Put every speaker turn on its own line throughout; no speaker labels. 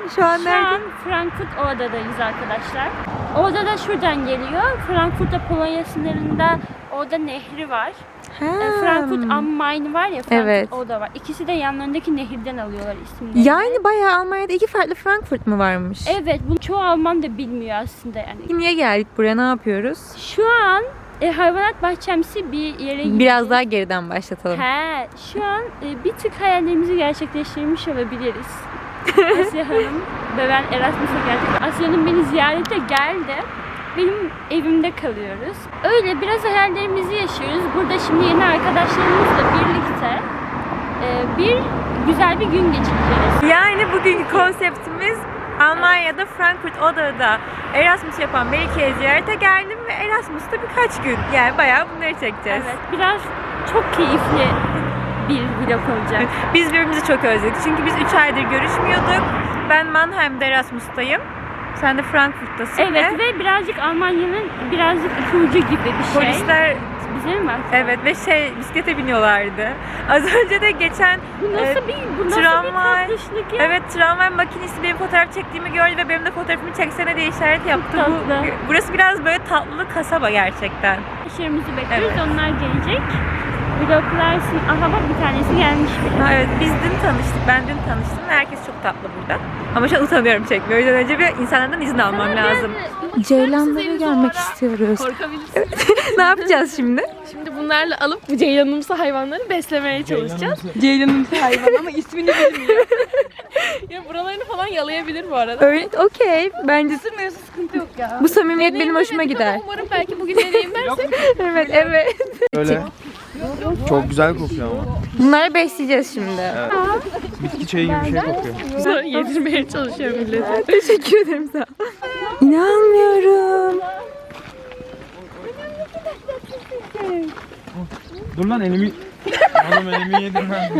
Şu an nerede?
Şu an Frankfurt Oder'dayız arkadaşlar. Oder da şuradan geliyor. Frankfurt'ta Polonya sınırında Oder nehri var. Frankfurt am Main var ya, Frankfurt
Evet.
Oder var. İkisi de yanlarındaki nehirden alıyorlar isimlerini.
Yani bayağı Almanya'da iki farklı Frankfurt mu varmış?
Evet, bunu çoğu Alman da bilmiyor aslında yani.
Niye geldik buraya, ne yapıyoruz?
Şu an hayvanat bahçemsi bir yere gidiyoruz.
Biraz daha geriden başlatalım.
Şu an bir tık hayallerimizi gerçekleştirmiş olabiliriz. Asya Hanım ve ben Erasmus'a geldik. Asya'nın beni ziyarete geldi. Benim evimde kalıyoruz. Öyle biraz hayallerimizi yaşıyoruz. Burada şimdi yeni arkadaşlarımızla birlikte güzel bir gün geçireceğiz.
Yani bugünkü konseptimiz Almanya'da Frankfurt Oder'da Erasmus yapan Melike'ye ziyarete geldim ve Erasmus'ta birkaç gün. Yani bayağı bunları çekeceğiz.
Evet, biraz çok keyifli bir vlog olacak.
Biz birbirimizi çok özledik. Çünkü biz 3 aydır görüşmüyorduk. Ben Mannheim'de Erasmus'tayım. Sen de Frankfurt'tasın.
Evet ve birazcık Almanya'nın birazcık ipucu gibi bir şey.
Polisler
Bize mi baktı?
evet ve bisiklete biniyorlardı. Az önce de geçen
Bu nasıl bir tatlışlık ya?
evet, tramvay makinesi benim fotoğraf çektiğimi gördü ve benim de fotoğrafımı çeksene diye işaret yaptı.
Tatlı.
Burası biraz böyle tatlı kasaba gerçekten.
Arkadaşlarımızı bekliyoruz.
Evet.
Onlar gelecek. Vloglarsın. Aha bak, bir tanesi gelmiş bile.
Ha, evet, biz dün tanıştık. Ben dün tanıştım ve herkes çok tatlı burada. Ama şu an utanıyorum çekmiyor. O yüzden önce bir insanlardan izin almam lazım. Ceylanlara gelmek istiyoruz.
Korkabilirsiniz.
Ne yapacağız şimdi?
Şimdi bunlarla alıp bu ceylanımsı hayvanları beslemeye çalışacağız. Ceylanımsı hayvan ama ismini bilmiyor. Ya buralarını falan yalayabilir bu arada.
Öyle, okey. Bence
Isırmıyorsa sıkıntı yok ya.
bu samimiyet benim hoşuma
Deneyimlemedik
gider.
ama umarım belki bugün deneyimlersek.
Evet, evet.
Öyle. Çok güzel kokuyor ama.
Bunları besleyeceğiz şimdi.
Evet. Bitki çayı gibi bir şey kokuyor.
Yedirmeye çalışıyor millet.
Teşekkür ederim sana. İnanmıyorum.
Dur lan elimi... Oğlum elimi yedim ben.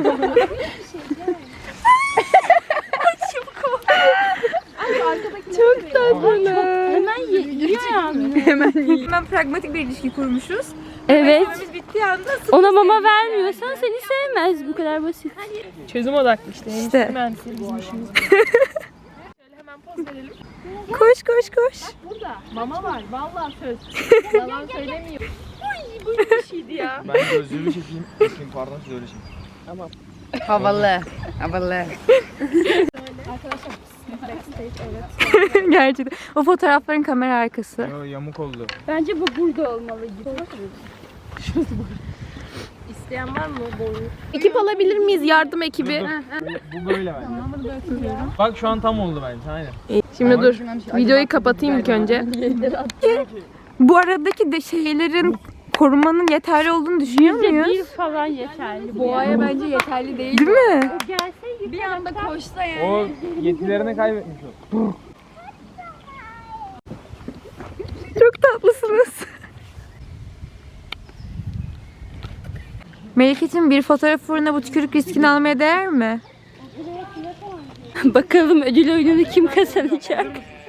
Çok tatlı.
Hemen yiyor yani.
Hemen pragmatik bir ilişki kurmuşuz.
Evet.
Beslememiz bittiği anda
Ona mama vermiyorsan seni sevmez. Bu kadar basit.
Çözüm odaklı işte.
İşte.
Mühendisleri bizim işimiz. Şöyle hemen poz verelim.
koş koş koş.
Burada mama var. Vallahi söz. Yalan söylemiyor. Ay böyle bir şeydi ya.
Ben gözlüğümü çekeyim. Bakayım pardon siz öyle çekin.
Havalı. Havalı.
Gerçekten. O fotoğrafların kamera arkası.
Yo, yamuk oldu.
Bence bu burada olmalı gibi.
İsteyen var mı boyu? Ekip alabilir miyiz? Yardım ekibi.
Bu böyle bence. Bak şu an tam oldu bence. Aynen.
Şimdi dur. Videoyu kapatayım ilk önce.
Bu aradaki de şeylerin korumanın yeterli olduğunu düşünüyor muyuz?
Bir falan yeterli.
Boğaya bence yeterli değil.
Değil mi?
O gelse
Bir anda koşsa yani.
O yetilerini kaybetmiş o.
Çok tatlısınız. Melike'cim, bir fotoğraf uğruna bu tükürük riskini almaya değer mi?
bakalım ödül oyununu kim kazanacak?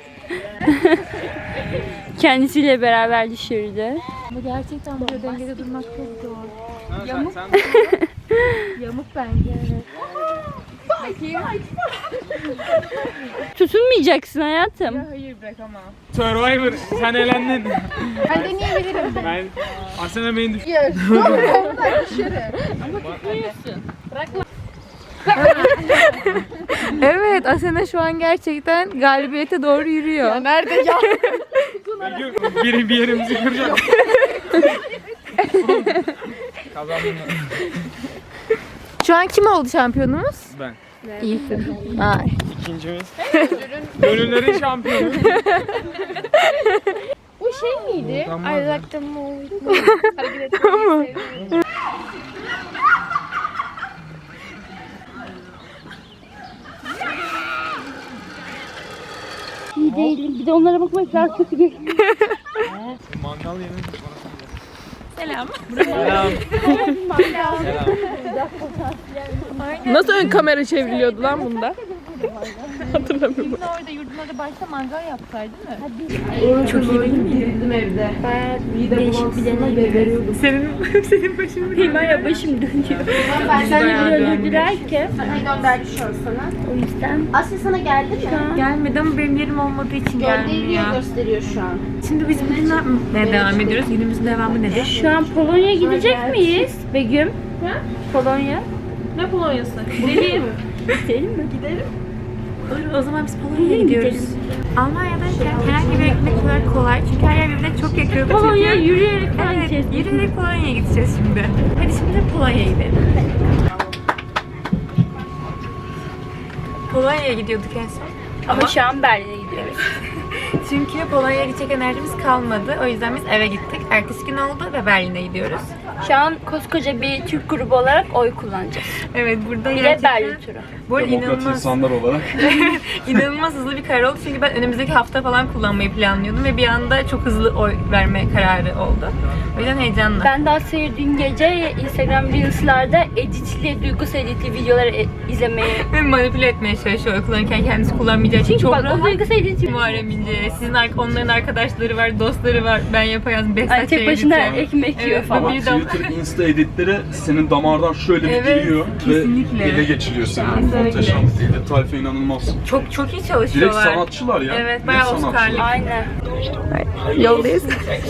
Kendisiyle beraber düşürdü.
Ama gerçekten burada dengede durmak çok zor.
Yamuk.
Yamuk bence. Evet.
Tutunmayacaksın hayatım.
Hayır bırakamam.
Survivor sen elendin.
Ben deneyebilirim.
Ben Asena beni düşün.
Evet, Asena şu an gerçekten galibiyete doğru yürüyor.
Nerede ya?
Biri bir yerimizi kıracak. Kazandım.
Şu an kim oldu şampiyonumuz?
Ben.
İyisin. Ay.
İkincimiz. Gönüllerin şampiyonu.
Bu şey miydi?
Utanmaz
I
ya.
like the movie. Hareket etmeyi seviyorum.
İyi değilim. Bir de onlara bakmak daha kötü geliyor.
Mangal yemeği.
Selam.
Selam.
Nasıl ön kamera çevriliyordu lan bunda? Hatırlamıyorum.
Orada yurdun orada başta mangal yaptılar değil mi?
Çok iyi değil mi?
Değişik bir deneyim.
Senin başın
Benim hala başım dönüyor. Benden öldürdüler ki.
Gönderdi şu an sana.
O yüzden
Asya sana geldi mi?
gelmedi ama benim yerim olmadığı için gelmiyor.
Gönderiyor gösteriyor şu an.
Şimdi biz bugün ne devam ediyoruz? Günümüzün devamı nedir?
şu an Polonya'ya gidecek miyiz Begüm? Polonya.
Ne Polonya'sı? Gidelim.
Gidelim mi?
Olur, o zaman biz Polonya'ya gidiyoruz. Almanya'dayken herhangi bir gitmek o kadar kolay. Çünkü her yer birbirine çok yakın.
Polonya yürüyerek falan
Evet,
gideceğiz.
yürüyerek Polonya'ya gideceğiz şimdi. Hadi şimdi Polonya'ya gidelim. Polonya'ya gidiyorduk en son.
Ama şu an Berlin'e gidiyoruz.
Çünkü Polonya'ya gidecek enerjimiz kalmadı. O yüzden biz eve gittik. Ertesi gün oldu ve Berlin'e gidiyoruz.
Şu an koskoca bir Türk grubu olarak oy kullanacağız.
Evet, burada
Bir de
gerçekten...
Berlin turu.
Bu arada
Demokrat insanlar olarak.
inanılmaz hızlı bir karar oldu. Çünkü ben önümüzdeki hafta falan kullanmayı planlıyordum ve bir anda çok hızlı oy verme kararı oldu. O yüzden heyecanlı.
Ben de Asya'yı dün gece Instagram Reels'larda editli, duygusal editli videoları izlemeye...
Ve manipüle etmeye çalışıyor oy kullanırken kendisi kullanmayacağı için. Çok
Bak o
rahat.
duygusal editli...
Muharrem İnce, sizin onların arkadaşları var, dostları var. Ben yapayalnız
Ay,
Behzat
tek başına ekmek yiyor falan.
Ama Twitter, Insta editleri senin damardan şöyle bir
Evet,
giriyor
kesinlikle.
ve ele geçiriyor seni.
Kesinlikle.
Muhteşem. Edit tarifi inanılmaz.
Çok iyi
Direkt
çalışıyorlar.
sanatçılar ya.
Evet,
Direkt
bayağı
sanatçılar.
Oscar'lık.
Aynen.
Yoldayız.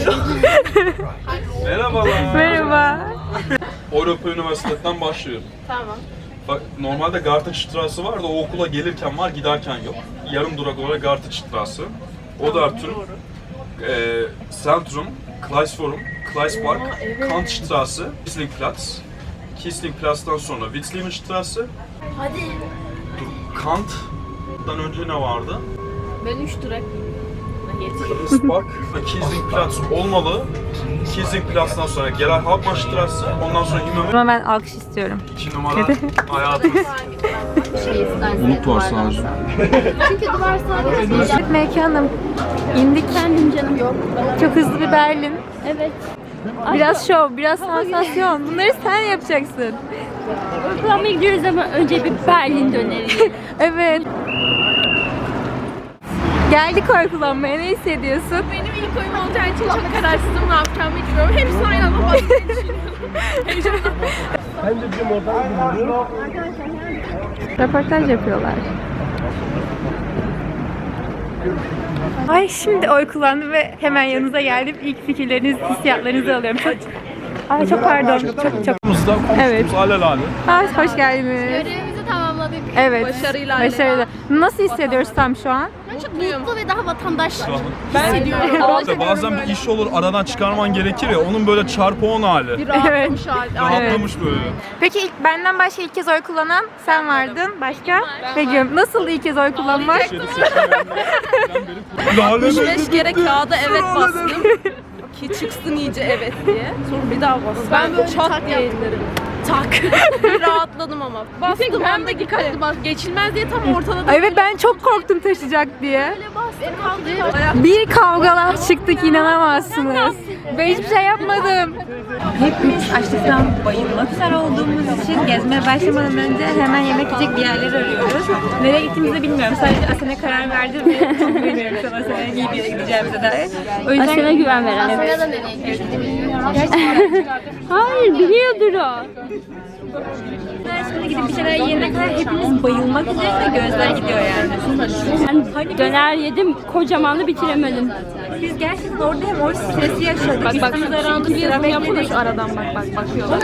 Merhabalar.
Merhaba.
Avrupa Üniversitesi'nden başlıyorum.
Tamam.
Bak normalde Gartenstrasse var da o okula gelirken var giderken yok. Yarım durak olarak Gartenstrasse. Odertun, Centrum, Kleisforum, Kleispark, Kantstrasse, Kieslingplatz. Kieslingplatz'tan sonra Witzliebenstrasse.
Hadi.
Kant'dan önce ne vardı?
Ben 3 durak.
Kleispark, Kieslingplatz olmalı. Kieslingplatz'tan sonra Gerhard Hauptmannstrasse, ondan sonra İmam
Ama ben alkış istiyorum.
2 numara hayatımız. Umut var sadece.
Çünkü duvar sadece
Evet mekanım. İndik.
Efendim canım. Yok.
Çok hızlı bir Berlin.
Evet.
Biraz şov, biraz sansasyon. Bunları sen yapacaksın.
Kullanmaya gidiyoruz ama önce bir Berlin döneri.
Evet. Geldik oy kullanmaya. Ne hissediyorsun?
Benim ilk oyum olacağı için çok kararsızım. Ne yapacağımı bilmiyorum. Hepsini aynı anda basmayı düşünüyorum.
Röportaj yapıyorlar. Ay şimdi oy kullandım ve hemen yanınıza geldim. İlk fikirlerinizi, hissiyatlarınızı alıyorum. Ay çok pardon. Çok.
Komşumuzda
Evet.
alelade.
Hoş geldiniz.
görevimizi tamamladık.
Evet.
Başarıyla
Başarılı. Nasıl hissediyoruz tam şu an?
Çok mutlu ve daha vatandaş.
İşte bazen bir iş olur aradan çıkarman gerekir ya onun böyle çarpı 10 hali.
Evet.
Rahatlamış böyle.
Peki benden başka ilk kez oy kullanan sen vardın. Başka? Begüm. Nasıl ilk kez oy kullanmak?
5 kere kağıda evet bastım. Ki çıksın iyice evet diye. Sonra bir daha bastım. Ben böyle çat diye indirdim. Tak. Bir rahatladım ama. Bastım ben de dikkatli bas. Geçilmez diye tam ortada da.
Evet ben çok korktum taşıyacak diye.
Bastım.
Bir kavgalar çıktık inanamazsınız. Ben hiçbir şey yapmadım. Hepimiz açlıktan bayılmak üzere olduğumuz için gezmeye başlamadan önce hemen yemek yiyecek bir yerler arıyoruz. Nereye gittiğimizi bilmiyorum. Sadece Asena karar verdi ve çok güveniyorum sana Asena'ya iyi bir yere gideceğimize dair. O yüzden
Asya'na güven veren.
Ya da nereye gidiyorsun?
Hayır biliyordur o.
şimdi gidip bir şeyler yiyene kadar hepimiz bayılmak üzereyiz ve gözler gidiyor yani.
Ben döner yedim, kocamanı bitiremedim.
Biz gerçekten orada hem o stresi yaşadık.
Bak bak
Üstümüze rağmen
şu
sıra
yapın
bekledik.
şu aradan bak bakıyorlar.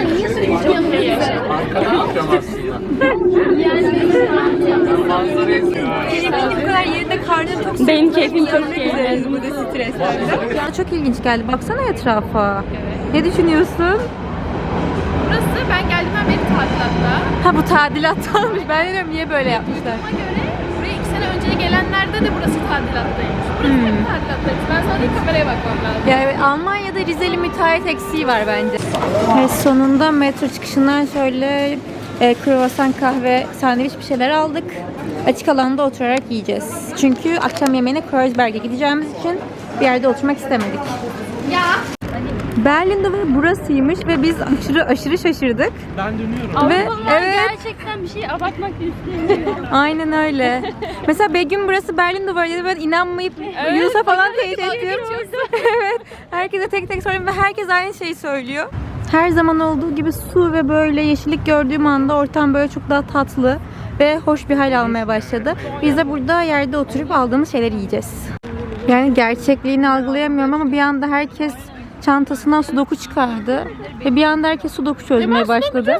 Senin bu kadar yerinde karnın tok.
Benim keyfim çok
Yanmak
iyi.
üzereyiz burada streslerle. Ya çok ilginç geldi. Baksana etrafa. Ne düşünüyorsun?
Burası ben geldiğimden beri tadilatta.
Ha bu tadilattanmış. Ben de diyorum niye böyle yapmışlar.
Buna göre buraya 2 sene önce gelenlerde de burası tadilattaymış. Burası hep tadilattaymış. Ben sadece kameraya bakmam lazım.
Ya evet, Almanya'da Rizeli müteahhit eksiği var bence. Evet, sonunda metro çıkışından şöyle kruvasan, kahve, sandviç bir şeyler aldık. Açık alanda oturarak yiyeceğiz. Çünkü akşam yemeğine Kreuzberg'e gideceğimiz için bir yerde oturmak istemedik. Berlin duvarı burasıymış ve biz aşırı şaşırdık.
Ben dönüyorum.
Avrupalılar
evet.
gerçekten bir şey abartmak istemiyor.
Aynen öyle. Mesela Begüm burası Berlin duvarı dedi. Ben inanmayıp Yunus'a falan teyit ettim. Evet. Herkese tek tek soruyorum ve herkes aynı şeyi söylüyor. Her zaman olduğu gibi su ve böyle yeşillik gördüğüm anda ortam böyle çok daha tatlı ve hoş bir hal almaya başladı. Biz de burada yerde oturup aldığımız şeyleri yiyeceğiz. Yani gerçekliğini algılayamıyorum ama bir anda herkes çantasından sudoku çıkardı. Ve bir anda herkes sudoku çözmeye başladı.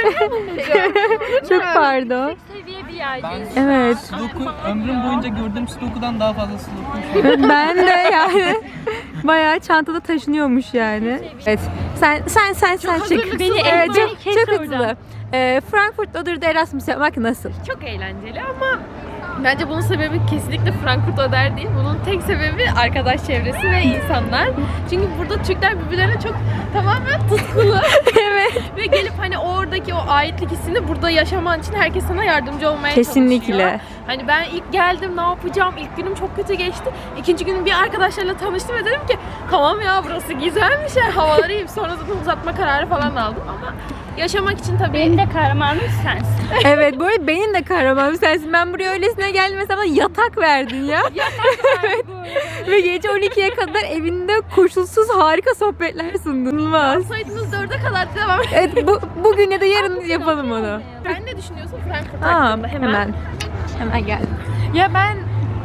Çok pardon.
Seviye bir yerdeyiz.
Evet.
Sudoku ömrüm boyunca gördüğüm Sudoku'dan daha fazla Sudoku.
Ben de yani bayağı çantada taşınıyormuş yani. Evet. Sen çık.
Beni
Evet,
beni
çok,
kes
çok
oradan.
hızlı. Frankfurt Oder'de Erasmus yapmak nasıl?
Çok eğlenceli ama bence bunun sebebi kesinlikle Frankfurt Oder değil. Bunun tek sebebi arkadaş çevresi ve insanlar. Çünkü burada Türkler birbirlerine çok tamamen tutkulu.
Evet.
Ve gelip hani oradaki o aitlik hissini burada yaşaman için herkes sana yardımcı olmaya
Kesinlikle.
çalışıyor. Hani ben ilk geldim ne yapacağım? İlk günüm çok kötü geçti. İkinci günüm bir arkadaşlarla tanıştım ve dedim ki tamam ya burası güzelmiş ya havaları iyiyim. Sonra zaten uzatma kararı falan aldım ama yaşamak için tabii
Benim de kahramanım sensin.
Evet, bu arada benim de kahramanım sensin. Ben buraya öylesine geldim mesela bana yatak verdin ya. Evet. Ve gece 12'ye kadar evinde koşulsuz harika sohbetler sundun. İnanılmaz.
saydınız 4'e kadar devam et.
Evet, bugün ya da yarın yapalım onu.
Sen ne düşünüyorsun Frankfurt
Aa,
hakkında?
hemen geldim. Ya ben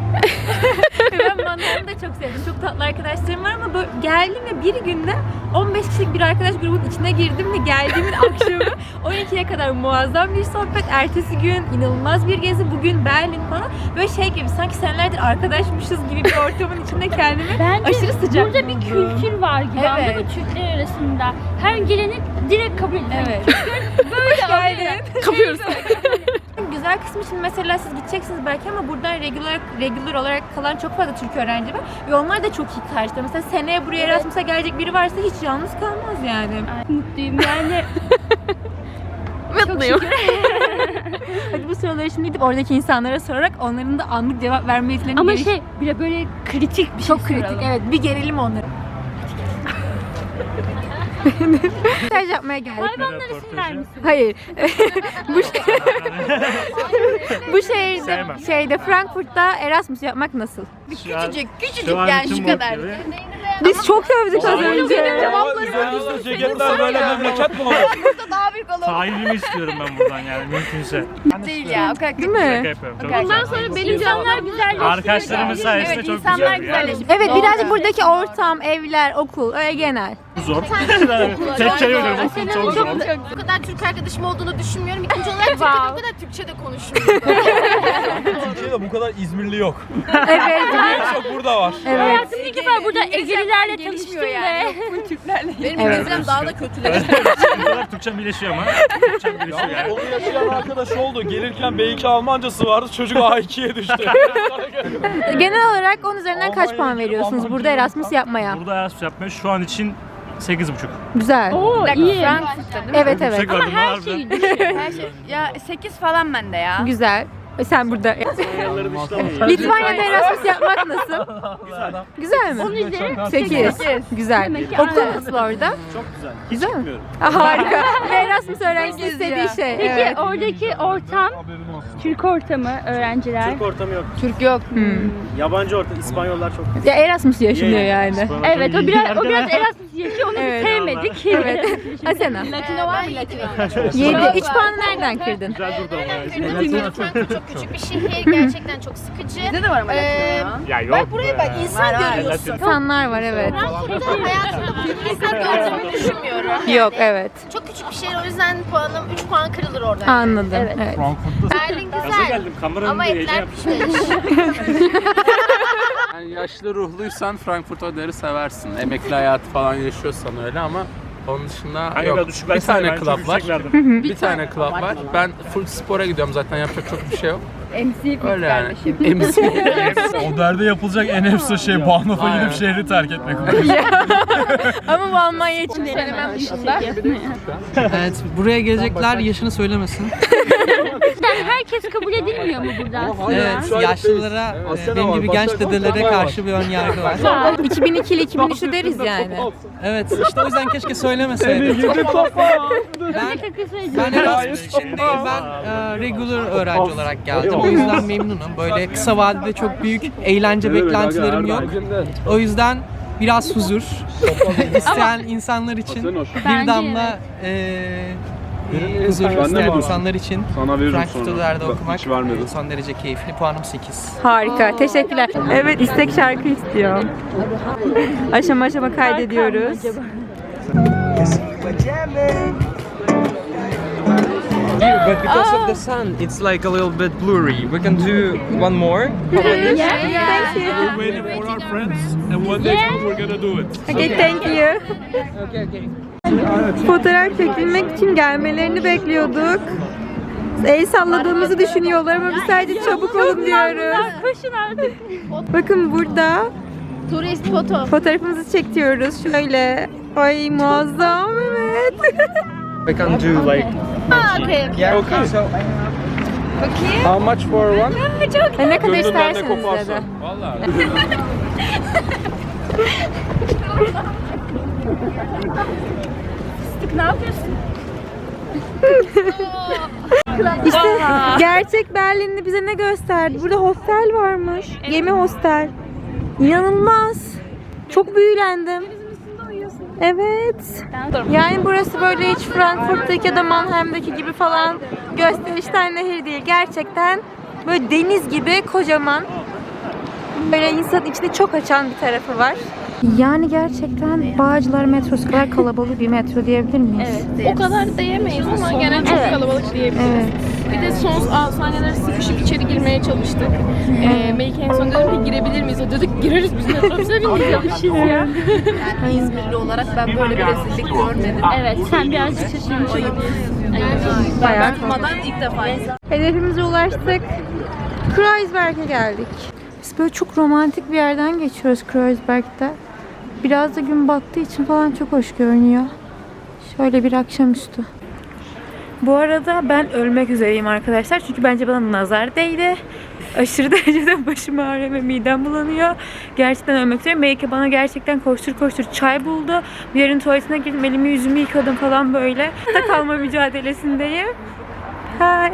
Manhattan'ı da çok sevdim. Çok tatlı arkadaşlarım var ama böyle geldim ve bir günde 15 kişilik bir arkadaş grubunun içine girdim ve geldiğimin akşamı 12'ye kadar muazzam bir sohbet. Ertesi gün inanılmaz bir gezi. Bugün Berlin falan. Böyle şey gibi sanki senelerdir arkadaşmışız gibi bir ortamın içinde kendimi
Bence
aşırı sıcak
burada bir
buldum.
kültür var gibi
Evet.
anladın mı Türkler arasında. Her geleni direkt kabul ediyor.
Evet. Böyle geldin.
Kapıyoruz.
Güzel kısmı için mesela siz gideceksiniz belki ama buradan regular olarak kalan çok fazla Türk öğrenci var ve onlar da çok iyi karşıda. Mesela seneye buraya Erasmus'a gelecek biri varsa hiç yalnız kalmaz yani.
Ay, mutluyum yani.
Mutluyum.
Hadi bu soruları şimdi gidip oradaki insanlara sorarak onların da anlık cevap verme yetilerini
Ama bir de böyle kritik bir
çok
şey
kritik.
soralım.
Evet, bir gerilim onları. Staj yapmaya geldik.
Hayvanları sever misin?
Hayır. bu şehirde Frankfurt'ta Erasmus yapmak nasıl?
Küçücük yani şu kadar.
Biz çok övdük az önce.
Üzerimizde ceketler böyle memleket mi olur?
Daha büyük olur.
Sahibimi istiyorum ben buradan yani mümkünse.
Değil ya. O kadar
Değil
Şaka
mi?
yapıyorum. Çok
Bundan
güzel.
sonra benim
İnsanlar güzelleşiyor.
Arkadaşlarımız sayesinde
Evet,
çok
insanlar
güzel ya.
güzelleşiyor.
Evet, birazcık buradaki ortam, evler, okul, öyle genel.
Zor. Tek kelime diyorum. Okul çok zor.
Bu kadar Türk arkadaşım olduğunu düşünmüyorum. İkinci olarak Türkiye'de bu kadar Türkçe de konuşmuyorum.
Türkiye'de bu kadar İzmirli yok.
Evet.
En çok burada var.
Evet.
Hayatımda ilk defa burada Egelilerle tanıştım ve
Benim
Evet.
İngilizcem daha da kötüleşti.
Bu kadar Türkçem birleşiyor ama. Türkçem birleşiyor yani.
Onu yaşayan arkadaş oldu. Gelirken B2 Almancası vardı. Çocuk A2'ye düştü.
Genel olarak 10 üzerinden kaç puan veriyorsunuz burada Erasmus yapmaya?
Burada Erasmus yapmaya şu an için 8,5.
Güzel.
o iyi.
Evet evet.
Yüksek verdim
Her
harbiden.
şeyi düşün.
Ya 8 falan bende ya.
Güzel. Sen burada. Litvanya'da Erasmus yapmak nasıl? Güzel mi?
10 üzeri
8. Güzel.
Demek ki
Okul
aynen.
nasıl orada?
Çok güzel.
Güzel mi? Harika. Ve Erasmus öğrencisi istediği şey.
Peki
Evet.
oradaki ortam, Türk ortamı, öğrenciler.
Türk ortamı yok.
Türk yok.
Yabancı ortam. İspanyollar çok.
Ya Erasmus yaşanıyor yani.
İspanyollar
Evet,
çok
o
iyi.
biraz Erasmus yaşıyor, onu
Evet.
biz sevmedik.
Evet. Asena.
Latino var mı Latino?
7. 3 puanı nereden kırdın?
Güzel durdu ama.
Frankfurt çok küçük bir şehir. Gerçekten çok sıkıcı.
Bizde de var ama
Ya yok.
Buraya bak insan görüyorsun.
İnsanlar var evet.
Frankfurt'ta hayatımda bu insan gördüğümü düşünmüyorum.
Yok evet.
Çok küçük bir şehir o yüzden puanım 3 puan kırılır oradan.
Anladım. Evet.
Berlin
Gaza
güzel.
geldim. Kameranın
Ama
diye
etler
heyecan
pişmemiş.
Yani yaşlı ruhluysan Frankfurt Oder'i seversin. Emekli hayatı falan yaşıyorsan öyle ama onun dışında
Hayır,
yok.
biraz düşük
Bir
versene,
tane
ben çok
club var.
yüksek verdim.
Bir tane club var. Ben full spora gidiyorum zaten yapacak çok bir şey yok. Öyle yani. MC.
O derde yapılacak en efsa şey Bahnhof'a gidip şehri terk etmek.
Ama bu Almanya için
Söylemem dışında.
Evet, buraya gelecekler yaşını söylemesin.
Herkes kabul edilmiyor mu burada aslında?
Evet, yaşlılara, benim gibi genç dedelere karşı bir ön yargı var.
2002'li 2003'lü deriz yani.
Evet, işte o yüzden keşke söylemeseydim. Ben Erasmus için değil, ben regular öğrenci olarak geldim. O yüzden memnunum. Böyle kısa vadede çok büyük eğlence beklentilerim yok. O yüzden biraz huzur. İsteyen insanlar için bir damla huzur isteyen insanlar için Frankfurt'ta Der'de okumak son derece keyifli. Puanım 8.
Harika, teşekkürler. Evet, istek şarkı istiyor. Aşama aşama kaydediyoruz.
But because of the sun, it's like a little bit blurry. We can do one more.
Thank you.
Waiting for our friends and one day we're gonna do it.
Okay, thank you. Fotoğraf çekilmek için gelmelerini bekliyorduk. El salladığımızı düşünüyorlar ama biz sadece çabuk olun diyoruz.
Koşun artık.
Bakın burada
Turist foto.
fotoğrafımızı çekiyoruz. Şöyle. Ay muazzam, evet.
We can do like.
Okay.
Yeah. Okay. So. How much for one?
Ne kadar isterseniz dedi.
Vallahi.
Ne yapıyorsun?
İşte gerçek Berlin'de bize ne gösterdi? Burada hostel varmış. Gemi hostel. İnanılmaz. Çok büyülendim. Evet. Yani burası böyle hiç Frankfurt'taki ya da Mannheim'daki gibi falan gösterişten nehir değil. Gerçekten böyle deniz gibi kocaman. Böyle insanın içini çok açan bir tarafı var. Yani gerçekten Bağcılar metrosu kadar kalabalık bir metro diyebilir miyiz?
O kadar diyemeyiz ama gene çok kalabalık diyebiliriz.
Evet.
Bir de son saniyeler sıkışıp içeri girmeye çalıştık. Melike en son dedim ki girebilir miyiz? O dedik gireriz biz metrobüse bineceğiz ya. Yani İzmirli olarak ben böyle bir rezillik görmedim.
Evet, sen birazcık şaşırmış olabilirsin.
Bayağı
Durmadan ilk defa insan.
hedefimize ulaştık. Kreuzberg'e geldik. Biz böyle çok romantik bir yerden geçiyoruz Kreuzberg'de. Biraz da gün battığı için falan çok hoş görünüyor. Şöyle bir akşamüstü. Bu arada ben ölmek üzereyim arkadaşlar. Çünkü bence bana nazar değdi. Aşırı derecede başım ağrıyor ve midem bulanıyor. Gerçekten ölmek üzereyim. Melike bana gerçekten koştur koştur çay buldu. Bir yerin tuvaletine girdim. Elimi yüzümü yıkadım falan böyle. Da kalma mücadelesindeyim. Hi.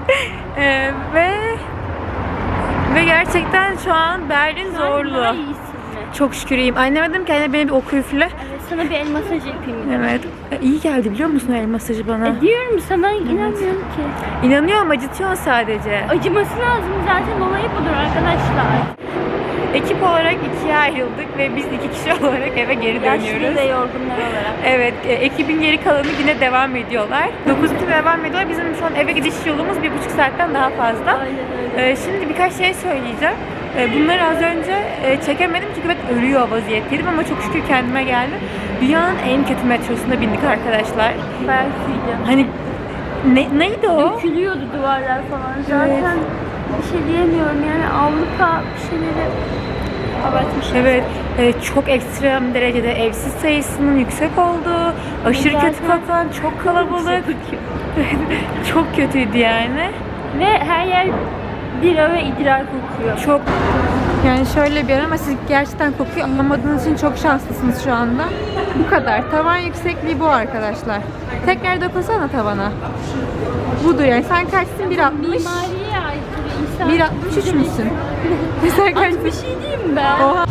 Ve gerçekten şu an Berlin zorlu. Çok şükür iyiyim. Anneme dedim ki anne beni bir oku üfle.
Sana bir el masajı yapayım.
Evet. İyi geldi biliyor musun el masajı bana?
Diyorum sana inanmıyorum ki.
İnanıyorum, acıtıyorsun sadece.
Acıması lazım zaten, olayı budur arkadaşlar.
Ekip olarak ikiye ayrıldık ve biz 2 kişi olarak eve geri
Yaşlı
dönüyoruz.
ve yorgunlar olarak.
Evet, ekibin geri kalanı yine devam ediyorlar. 9'da devam ediyorlar. Bizim şu an eve gidiş yolumuz 1,5 saatten daha fazla. Şimdi birkaç şey söyleyeceğim. Bunları az önce çekemedim çünkü ben ölüyor vaziyetteydim ama çok şükür kendime geldim. Dünyanın en kötü metrosuna bindik arkadaşlar.
Belki.
Hani neydi o?
Dökülüyordu duvarlar falan. Zaten bir şey diyemiyorum yani Avrupa bir şeyleri abartmış.
Evet, çok ekstrem derecede evsiz sayısının yüksek olduğu, aşırı kötü kokan, çok kalabalık. Çok kötüydü yani.
Ve her yer bira ve idrar kokuyor.
Çok. Yani şöyle bir yer ama siz gerçekten kokuyu anlamadığınız için çok şanslısınız şu anda. Bu kadar. Tavan yüksekliği bu arkadaşlar. Tekrar dokunsana tavana. Budur yani. Sen kaçsın? 1.60.
Mimariye ait bir insan.
1.63 müsün? Sen kaç?
Bir şey diyeyim ben.
Oha.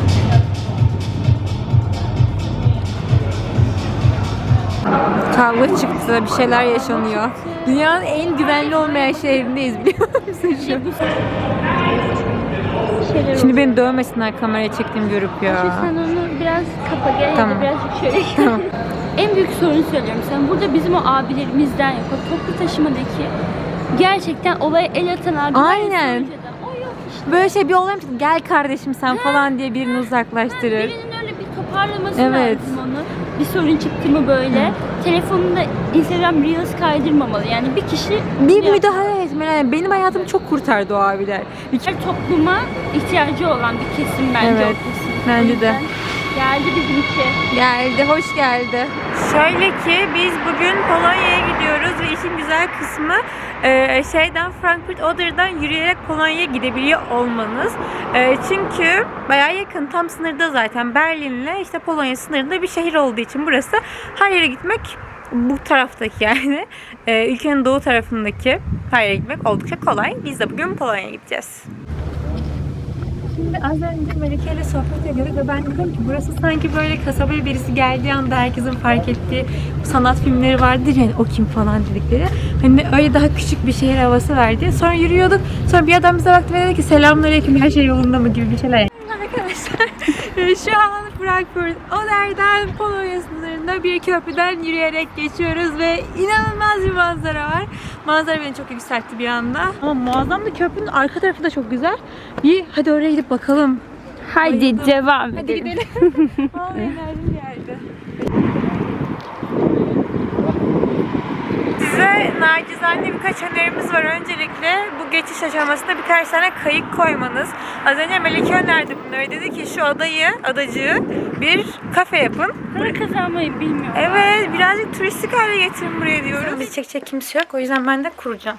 Kavga çıktı, bir şeyler yaşanıyor. Dünyanın en güvenli olmayan şehrindeyiz biliyor musun şu an? Şimdi beni dövmesinler kameraya çektiğimi görüp ya.
Sen onu biraz kapa gel
Tamam.
ya da birazcık şöyle.
Tamam.
En büyük sorunu söylüyorum sana. Burada bizim o abilerimizden yok. O toplu taşımadaki gerçekten olaya el atan abiler.
Aynen.
O yok işte.
Böyle şey bir olay mı? Gel kardeşim sen falan diye birini uzaklaştırır.
Birinin öyle bir toparlaması
Evet.
lazım onu. Bir sorun çıktı mı böyle. Telefonunda Instagram Reels kaydırmamalı. Yani bir kişi
Bir müdahale etmeli muhtemelen yani benim hayatımı çok kurtardı o abiler.
Topluma ihtiyacı olan bir kesim bence
Evet,
o kesim.
bence de.
O yüzden geldi bizimki.
Geldi, hoş geldi. Şöyle ki biz bugün Polonya'ya gidiyoruz ve işin güzel kısmı Frankfurt Oder'dan yürüyerek Polonya'ya gidebiliyor olmanız. Çünkü bayağı yakın, tam sınırda zaten Berlin'le işte Polonya sınırında bir şehir olduğu için burası her yere gitmek bu taraftaki yani ülkenin doğu tarafındaki her yere gitmek oldukça kolay. Biz de bugün Polonya'ya gideceğiz. Şimdi az önce Melike ile sohbet ediyorduk ve ben dedim ki burası sanki böyle kasabaya birisi geldiği anda herkesin fark ettiği sanat filmleri vardır yani o kim falan dedikleri. Hani öyle daha küçük bir şehir havası verdi. Sonra yürüyorduk. Sonra bir adam bize baktı ve dedi ki selamünaleyküm, her şey yolunda mı gibi bir şeyler. Arkadaşlar şu an Frankfurt Oder'den Polonya sınırında bir köprüden yürüyerek geçiyoruz ve inanılmaz bir manzara var. Manzara beni çok yükseltti bir anda. Ama muazzam da köprünün arka tarafı da çok güzel. Hadi oraya gidip bakalım.
Haydi devam edelim.
Hadi gidelim. Vallahi enerjim geldi. Size nacizane birkaç önerimiz var. Öncelikle bu geçiş aşamasında birkaç tane kayık koymanız. Az önce Melike önerdi bunları. Dedi ki şu adacığı bir kafe yapın.
Para kazanmayı bilmiyorum.
Evet, birazcık turistik hale getirin buraya diyoruz. Bizi çekecek kimse yok. O yüzden ben de kuracağım.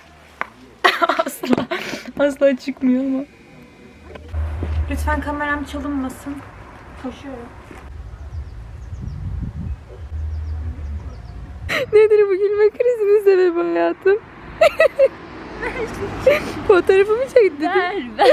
Asla çıkmıyor ama. Lütfen kameram çalınmasın. Koşuyorum. Nedir bu gülme krizinin sebebi hayatım? Fotoğrafımı çekti.
Ver.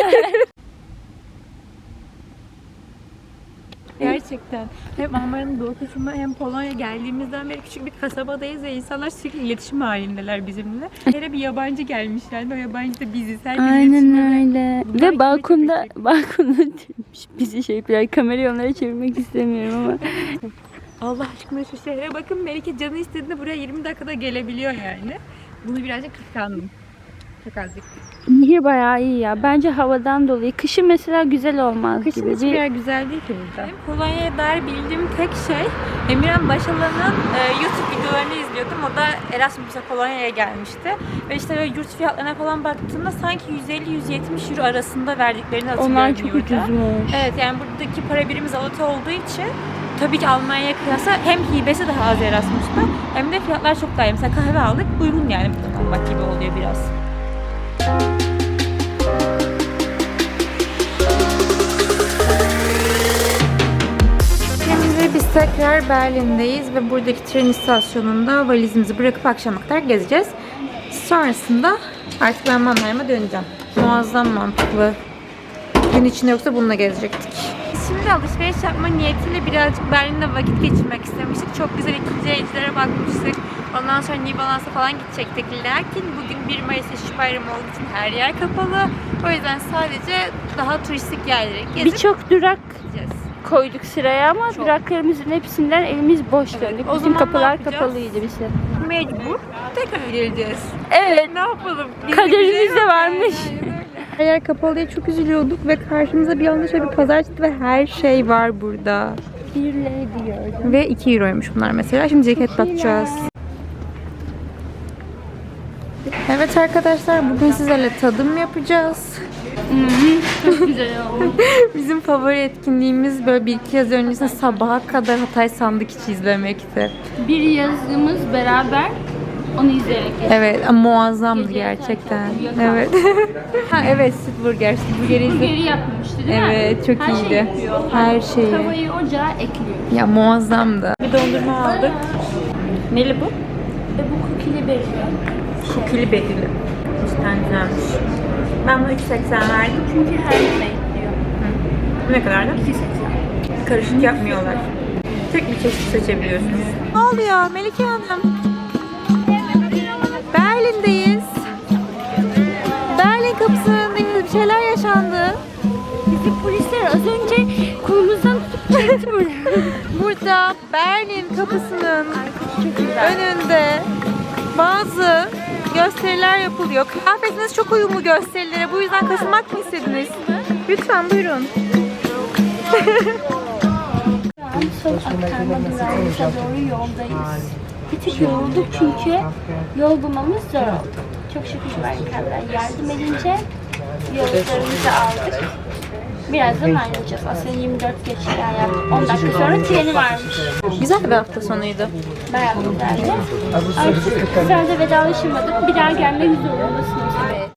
Gerçekten. Hem Almanya'nın doğu kısmı hem Polonya geldiğimizden beri küçük bir kasabadayız ve insanlar sürekli iletişim halindeler bizimle. Her bir yabancı gelmiş yani o yabancı da biziz.
Aynen öyle. Ve balkonda bizi yapıyor. Kamerayı onlara çevirmek istemiyorum ama.
Allah aşkına şu şehre bakın. Melike canı istediğinde buraya 20 dakikada gelebiliyor yani. Bunu birazcık kıskandım. Çok azıcık.
Nehir bayağı iyi ya. Bence havadan dolayı. Kışın mesela güzel olmaz
Kışın
gibi.
hiçbir yer güzel değil ki burada. Benim Polonya'ya dair bildiğim tek şey Emirhan Başalan'ın YouTube videolarını izliyordum. O da Erasmus'a Polonya'ya gelmişti. Ve işte böyle yurt fiyatlarına falan baktığımda sanki 150-170 euro arasında verdiklerini hatırlıyorum.
Onlar çok
yurda.
ucuzmuş.
Evet, yani buradaki para birimi zloty olduğu için tabii ki Almanya'ya kıyasla hem hibesi daha az Erasmus'ta hem de fiyatlar çok daha iyi. Mesela kahve aldık, uygun yani burada kalmak gibi oluyor biraz. Şimdi biz tekrar Berlin'deyiz ve buradaki tren istasyonunda valizimizi bırakıp akşama kadar gezeceğiz. Sonrasında artık ben Mannheim'a döneceğim. Muazzam mantıklı. Gün içinde yoksa bununla gezecektik. Şimdi alışveriş yapma niyetiyle birazcık Berlin'de vakit geçirmek istemiştik. Çok güzel ikinci elcilere bakmıştık. Ondan sonra New Balance'a falan gidecektik. Lakin bugün 1 Mayıs İşçi Bayramı olduğu için her yer kapalı. O yüzden sadece daha turistik yerlere gezip
Birçok durak
gideceğiz.
koyduk sıraya ama duraklarımızın hepsinden elimiz boş
Evet,
döndük.
o
Bütün
zaman ne
kapılar
yapacağız?
kapalıydı bize.
Mecbur tekrar geleceğiz.
Evet.
Ne yapalım?
Kaderimizde varmış.
Her yer kapalı diye çok üzülüyorduk ve karşımıza bir anda şöyle bir pazar çıktı ve her şey var burada.
Bir lady gördüm.
Ve 2 euroymuş bunlar mesela. Şimdi ceket bakacağız. Evet arkadaşlar, bugün sizlerle tadım yapacağız.
Çok güzel oldu.
Bizim favori etkinliğimiz böyle 1-2 yaz öncesinde sabaha kadar Hatay sandık içi izlemekti.
Bir yazımız beraber onu izleyerek geçtik.
Evet ama muazzamdı
Gece
gerçekten.
yatarken
Evet. Ha evet, Sütburger. Sütburgeri izledim.
Burgeri yapmıştı değil mi?
Evet, çok
Her
iyiydi.
Şey yapıyor.
Her şeyi.
Tavayı ocağa ekliyor.
Ya muazzamdı. Bir dondurma aldık. Neli bu?
Bu kukili berili.
Kukili berili. Cidden güzelmiş. Ben bunu 3.80 verdim.
Çünkü her yere ekliyor.
Bu ne kadardı?
2.80.
Karışık yapmıyorlar. Tek bir çeşit seçebiliyorsunuz. Ne oluyor Melike Hanım? Berlin'deyiz. Berlin kapısının önündeyiz. Bir şeyler yaşandı.
Bizi polisler az önce kolumuzdan tutup çekti buraya.
Burada Berlin kapısının önünde bazı gösteriler yapılıyor. Kıyafetiniz çok uyumlu gösterilere. Bu yüzden katılmak mı istediniz? Lütfen buyurun.
Son aktarma durağımıza doğru yoldayız. Bir tık yorulduk çünkü yol bulmamız zor oldu. Çok şükür barikatlar yardım edince yollarımızı aldık. Birazdan ayrılacağız. Aslında 24 geçti yani 10 dakika sonra treni varmış.
Güzel bir hafta sonuydu.
Bayağı güzeldi. Artık kızlarla vedalaşamadık. Bir daha gelmek zorundasınız.